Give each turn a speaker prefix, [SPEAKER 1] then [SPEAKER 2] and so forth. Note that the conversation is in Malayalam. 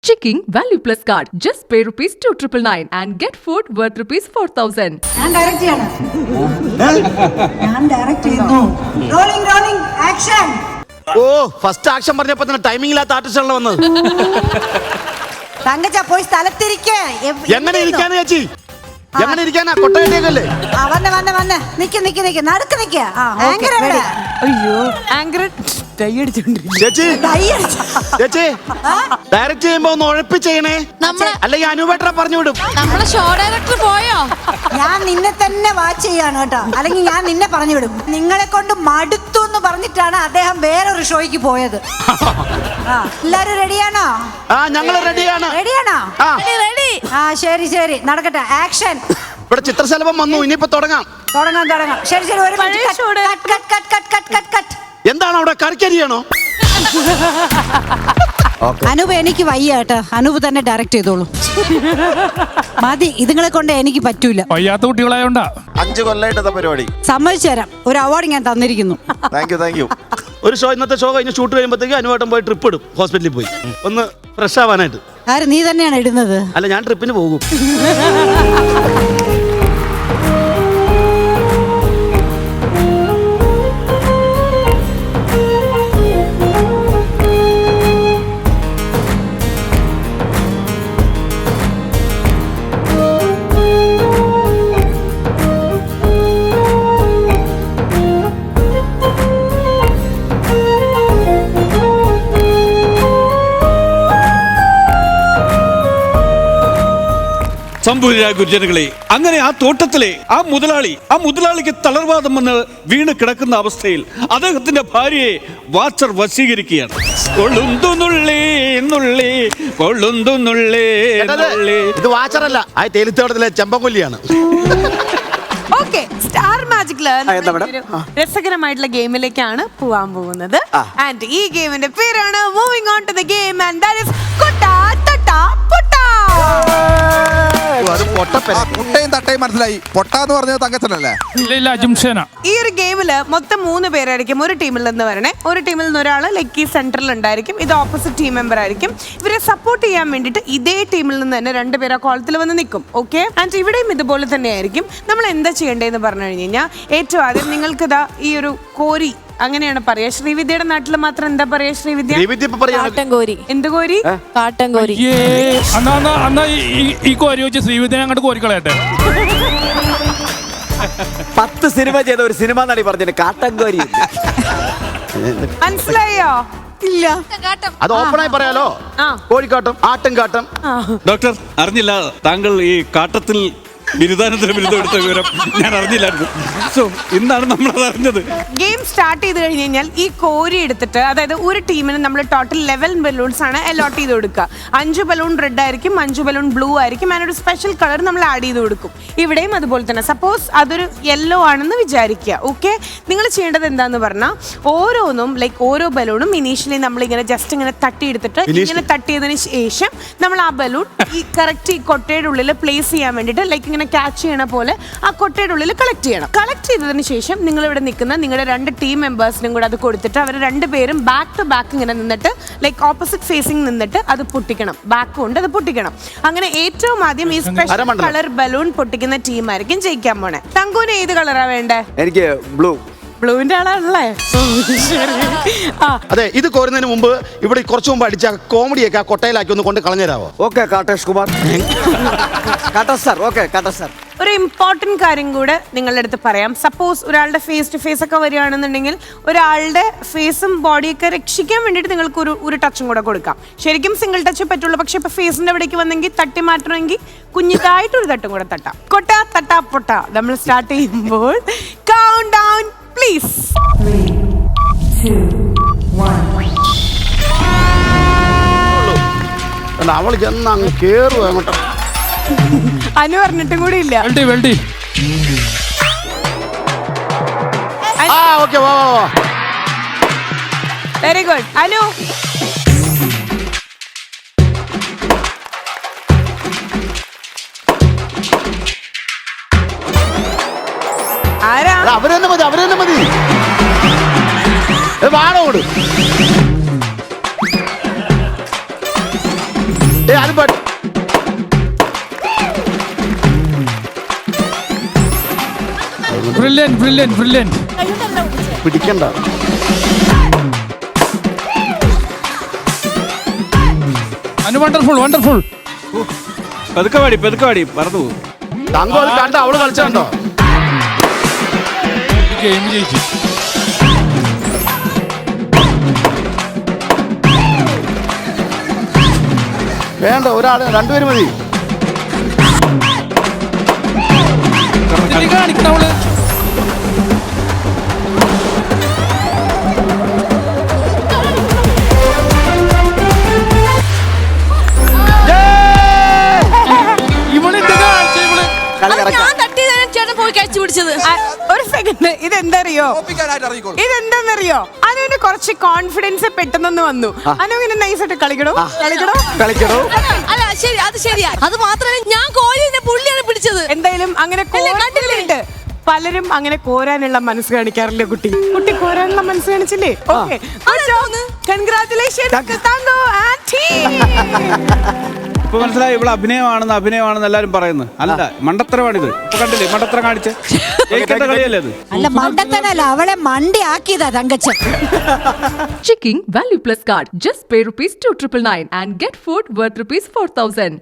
[SPEAKER 1] Checking Value Plus card. Just pay ₹2,999 and get food worth ₹4,000.
[SPEAKER 2] ഞാൻ ഡയറക്റ്റ് ചെയ്യണം. ഞാൻ ഡയറക്റ്റ് ചെയ്യുന്നു. Rolling action.
[SPEAKER 3] ഓ ഫസ്റ്റ് ആക്ഷൻ പറഞ്ഞപ്പോ തന്നെ ടൈമിംഗ് ഇല്ലാത്ത ആർട്ടിസ്റ്റാണല്ലോ വന്നത്.
[SPEAKER 2] തങ്കച്ച പോയി സ്ഥലത്തിരിക്കേ.
[SPEAKER 3] എങ്ങനെ ഇരിക്കാന്ന് ചേച്ചി? എങ്ങനെ ഇരിക്കാനാ? കൊട്ടയല്ലേ?
[SPEAKER 2] വന്ന് നിക്ക് നടക്ക് നിക്ക്. ആങ്കർ എവിടെ?
[SPEAKER 4] അയ്യോ ആങ്കർ
[SPEAKER 3] ചേച്ചി ചേച്ചി ഡയറക്റ്റ് ചെയ്യുമ്പോ ഒന്ന് ഉഴപ്പി ചെയ്യണേ, അല്ലെങ്കിൽ അനുവേട്ട പറഞ്ഞു വിടും.
[SPEAKER 4] നമ്മളെ ഷോ ഡയറക്ടർ പോയോ?
[SPEAKER 2] ഞാൻ നിന്നെ തന്നെ വാച്ച് ചെയ്യാണ് കേട്ടോ, അല്ലെങ്കിൽ ഞാൻ നിന്നെ പറഞ്ഞു വിടും. നിങ്ങളെ കൊണ്ട് മടുത്തു എന്ന് പറഞ്ഞിട്ടാണ് അദ്ദേഹം വേറൊരു ഷോയ്ക്ക് പോയത്. എല്ലാരും റെഡിയാണോ?
[SPEAKER 3] ഞങ്ങൾ റെഡിയാണ്.
[SPEAKER 2] റെഡിയാണോ? ശരി നടക്കട്ടെ. ആക്ഷൻ.
[SPEAKER 3] ഇവിടെ ചിത്രശലഭം വന്നു, ഇനിയിപ്പോ തുടങ്ങാം.
[SPEAKER 2] ശരി ഒരു കട്ട്.
[SPEAKER 3] എന്താണ് അവിടെ? കറിക്കരിയാണോ?
[SPEAKER 2] അനൂപ് എനിക്ക് വയ്യ കേട്ടോ, അനൂപ് തന്നെ ഡയറക്റ്റ് ചെയ്തോളൂ. മതി, ഇതുങ്ങളെ കൊണ്ട് എനിക്ക് പറ്റൂല.
[SPEAKER 5] വയ്യാത്ത കുട്ടികളായോണ്ടാ
[SPEAKER 6] 5 കൊല്ലമായിട്ട് പരിപാടി.
[SPEAKER 2] സമ്മതിച്ചു തരാം, ഒരു അവാർഡ് ഞാൻ തന്നിരിക്കുന്നു.
[SPEAKER 6] Thank you.
[SPEAKER 3] ഒരു ഷോ, ഇന്നത്തെ ഷോ കഴിഞ്ഞ് ഷൂട്ട് കഴിയുമ്പോഴത്തേക്ക് അനുവേട്ടം പോയി ട്രിപ്പ് ഇടും, ഹോസ്പിറ്റലിൽ പോയി ഒന്ന് ഫ്രഷ് ആവാനായിട്ട്.
[SPEAKER 2] ആര്? നീ തന്നെയാണ് ഇടുന്നത്?
[SPEAKER 3] അല്ല, ഞാൻ ട്രിപ്പിന് പോകും.
[SPEAKER 7] സംഭൂരാ ഗുരുജനങ്ങളെ, അങ്ങനെ ആ തോട്ടത്തിലെ ആ മുതലാളിക്ക് തളർവാദം വന്ന് വീണ് കിടക്കുന്ന അവസ്ഥയിൽ അദ്ദേഹത്തിന്റെ ഭാര്യയെ വാച്ചർ വശീകരിക്കുകയാണ്.
[SPEAKER 3] ഇത് വാച്ചറല്ല, ആ തേലിത്തോട്ടത്തിലെ ചെമ്പൻകൊല്ലിയാണ്.
[SPEAKER 4] സ്റ്റാർ മാജിക്കില് രസകരമായിട്ടുള്ള ഗെയിമിലേക്കാണ് പോവാൻ പോകുന്നത്. ആൻഡ് ഈ ഗെയിമിന്റെ പേരാണ് moving on to the game, and that is കൊട്ടാ തട്ടാ പൊട്ടാ.
[SPEAKER 6] മുട്ടയും തട്ടയും മനസ്സിലായി. പൊട്ടാന്ന് പറഞ്ഞത് തങ്കച്ചനല്ലേ?
[SPEAKER 5] ഇല്ല ജംഷേന.
[SPEAKER 4] ഈ ഒരു ഗെയിമില് മൊത്തം 3 പേരായിരിക്കും ഒരു ടീമിൽ നിന്ന് വരണേ. ഒരു ടീമിൽ നിന്ന് ഒരാൾ ലൈക്ക് ഈ സെന്ററിൽ ഉണ്ടായിരിക്കും, ഇത് ഓപ്പോസിറ്റ് ടീം മെമ്പർ ആയിരിക്കും. ഇവരെ സപ്പോർട്ട് ചെയ്യാൻ വേണ്ടിയിട്ട് ഇതേ ടീമിൽ നിന്ന് തന്നെ 2 പേര് ആ കോളത്തിൽ വന്ന് നിൽക്കും. ഓക്കെ, ആൻഡ് ഇവിടെയും ഇതുപോലെ തന്നെ ആയിരിക്കും. നമ്മൾ എന്താ ചെയ്യേണ്ടതെന്ന് പറഞ്ഞു കഴിഞ്ഞാൽ ഏറ്റവും ആദ്യം നിങ്ങൾക്ക് ഇതാ ഈ ഒരു കോരി, അങ്ങനെയാണ് പറയാ. ശ്രീവിദ്യയുടെ നാട്ടിൽ മാത്രം എന്താ പറയാ? ശ്രീവിദ്യ എന്ത് കോരി?
[SPEAKER 5] കാട്ടൻ കോരി. അന്നാ ഈ കോരി വെച്ച് ശ്രീവിദ്യനെ അങ്ങോട്ട് കോരിക്കളയട്ടെ.
[SPEAKER 8] 10 സിനിമ ചെയ്ത ഒരു സിനിമ നടി പറഞ്ഞിട്ട് കാട്ടൻ കോരി.
[SPEAKER 4] മനസ്സിലായോ? ഇല്ല,
[SPEAKER 3] അത് ഓപ്പണായി പറയാലോ. കോഴിക്കാട്ടം, ആട്ടുംകാട്ടം.
[SPEAKER 7] ഡോക്ടർ അറിഞ്ഞില്ല, താങ്കൾ ഈ കാട്ടത്തിൽ ബിരുദാനന്തര ബിരുദം എടുത്ത വിവരം ഞാൻ അറിഞ്ഞില്ലായിരുന്നു. സോ ഇന്നാണ് നമ്മളത് അറിഞ്ഞത്.
[SPEAKER 4] ഗെയിം സ്റ്റാർട്ട് ചെയ്ത് കഴിഞ്ഞ് കഴിഞ്ഞാൽ ഈ കോരി എടുത്തിട്ട്, അതായത് ഒരു ടീമിന് നമ്മൾ ടോട്ടൽ 11 ബലൂൺസ് ആണ് അലോട്ട് ചെയ്ത് കൊടുക്കുക. 5 ബലൂൺ റെഡ് ആയിരിക്കും, 5 ബലൂൺ ബ്ലൂ ആയിരിക്കും, അതിനൊരു സ്പെഷ്യൽ കളർ നമ്മൾ ആഡ് ചെയ്ത് കൊടുക്കും. ഇവിടെയും അതുപോലെ തന്നെ. സപ്പോസ് അതൊരു യെല്ലോ ആണെന്ന് വിചാരിക്കുക. ഓക്കെ, നിങ്ങൾ ചെയ്യേണ്ടത് എന്താന്ന് പറഞ്ഞാൽ ഓരോന്നും ലൈക്ക് ഓരോ ബലൂണും ഇനീഷ്യലി നമ്മളിങ്ങനെ ജസ്റ്റ് ഇങ്ങനെ തട്ടിയെടുത്തിട്ട് ഇങ്ങനെ തട്ടിയതിന് ശേഷം നമ്മൾ ആ ബലൂൺ ഈ കറക്റ്റ് ഈ കൊട്ടയുടെ ഉള്ളിൽ പ്ലേസ് ചെയ്യാൻ വേണ്ടിയിട്ട് ലൈക്ക് ഇങ്ങനെ ക്യാച്ച് ചെയ്യണ പോലെ ആ കൊട്ടയുടെ ഉള്ളിൽ കളക്ട് ചെയ്യണം. കളക്ട് ചെയ്തതിന് ശേഷം നിങ്ങൾ ഇവിടെ നിൽക്കുന്ന നിങ്ങളുടെ 2 ടീം മെമ്പേഴ്സിനും കൂടെ അത് കൊടുത്തിട്ട് അവർ 2 പേരും ബാക്ക് ടു ബാക്ക് ഇങ്ങനെ നിന്നിട്ട് ലൈക്ക് ഓപ്പോസിറ്റ് ഫേസിങ് നിന്നിട്ട് അത് പൊട്ടിക്കണം. ബാക്ക് കൊണ്ട് അത് പൊട്ടിക്കണം. അങ്ങനെ ഏറ്റവും ആദ്യം ഈ സ്പെഷ്യൽ കളർ ബലൂൺ പൊട്ടിക്കുന്ന ടീം ആയിരിക്കും ജയിക്കാൻ പോണേ. തങ്കൂന് ഏത് കളറാ വേണ്ടേ?
[SPEAKER 8] എനിക്ക് ബ്ലൂ.
[SPEAKER 4] ബ്ലൂവിന്റെ ആളാണല്ലേ?
[SPEAKER 3] അതെ, ഇത് കോരുന്നതിന് മുമ്പ് ഇവിടെ കുറച്ചു മുമ്പ് അടിച്ച കോമഡിയൊക്കെ ആ കൊട്ടയിലാക്കി ഒന്ന് കൊണ്ട് കളഞ്ഞുതരാവോ?
[SPEAKER 8] ഓക്കെ കാട്ടേഷ് കുമാർ. കാട്ടേഷ്.
[SPEAKER 4] ഒരു ഇമ്പോർട്ടന്റ് കാര്യം കൂടെ നിങ്ങളുടെ അടുത്ത് പറയാം. സപ്പോസ് ഒരാളുടെ ഫേസ് ടു ഫേസ് ഒക്കെ വരികയാണെന്നുണ്ടെങ്കിൽ ഒരാളുടെ ഫേസും ബോഡിയൊക്കെ രക്ഷിക്കാൻ വേണ്ടിയിട്ട് നിങ്ങൾക്ക് ഒരു ടച്ചും കൂടെ കൊടുക്കാം. ശരിക്കും സിംഗിൾ ടച്ച് പറ്റുള്ളൂ, പക്ഷെ ഇപ്പൊ ഫേസിന്റെ അവിടേക്ക് വന്നെങ്കിൽ തട്ടി മാറ്റണമെങ്കിൽ കുഞ്ഞിതായിട്ടൊരു തട്ടും കൂടെ തട്ടാം. കൊട്ടാ തട്ടാ പൊട്ടാ. നമ്മൾ സ്റ്റാർട്ട് ചെയ്യുമ്പോൾ കൗണ്ട് ഡൗൺ പ്ലീസ്.
[SPEAKER 2] 3, 2, 1.
[SPEAKER 3] അവള് ചെന്ന് അങ്ങ് കേറുക അങ്ങോട്ട്.
[SPEAKER 4] അനു പറഞ്ഞിട്ടും കൂടി ഇല്ല. Very good Anu. ആരാ?
[SPEAKER 3] അവരെന്നെ മതി. വാടോട് അത്
[SPEAKER 5] ബ്രില്യൻ ബ്രില്യൻ ബ്രില്യൻ.
[SPEAKER 3] പിടിക്കണ്ട.
[SPEAKER 5] Anu wonderful wonderful.
[SPEAKER 7] പെതുക്കെ പാടി മറന്നു പോകും.
[SPEAKER 3] തങ്കം അത് കണ്ട അവള് കളിച്ചോ.
[SPEAKER 5] ഗെയിം ജയിച്ചു.
[SPEAKER 3] വേണ്ട, ഒരാള് രണ്ടുപേരും മതി.
[SPEAKER 5] കാണിക്കണം അവള്.
[SPEAKER 4] ഒരു സെക്കൻഡ്, ഇതെന്തറിയോ
[SPEAKER 6] ഒപ്പിക്കാനായിട്ട് ഇറങ്ങിക്കോളൂ.
[SPEAKER 4] ഇതെന്താന്നറിയോ അനുവിന്റെ കുറച്ച് കോൺഫിഡൻസ് പെട്ടെന്ന് വന്നു. അനു ഇങ്ങനെ നൈസായിട്ട് കളിക്കണോ.
[SPEAKER 9] അല്ല ശരി, അത് ശരിയാ. അത് മാത്രമല്ല ഞാൻ കോഴിനെ പുള്ളിയാണ് പിടിച്ചത്.
[SPEAKER 4] എന്തായാലും അങ്ങനെ കണ്ടിട്ടുണ്ട്. പലരും അങ്ങനെ കോരാനുള്ള മനസ്സ് കാണിക്കാറില്ല. കുട്ടി കോരാനുള്ള മനസ്സ് കാണിച്ചില്ലേ? Okay, congratulations thank you aunty.
[SPEAKER 7] ഇപ്പൊ മനസ്സിലായി ഇവിടെ അഭിനയമാണെന്ന് എല്ലാരും പറയുന്നത്. അല്ല, മണ്ടത്തരമാണിത്. ഇപ്പൊ കണ്ടില്ലേ മണ്ടത്തരം കാണിച്ച് ജയിക്കേണ്ട കളിയല്ലേ അത്?
[SPEAKER 2] അല്ല, മണ്ടത്തനല്ല, അവളെ മണ്ടി ആക്കിയതാ Thankachan.
[SPEAKER 1] Checking Value Plus card. Just pay rupees 2999 and get food worth rupees 4000.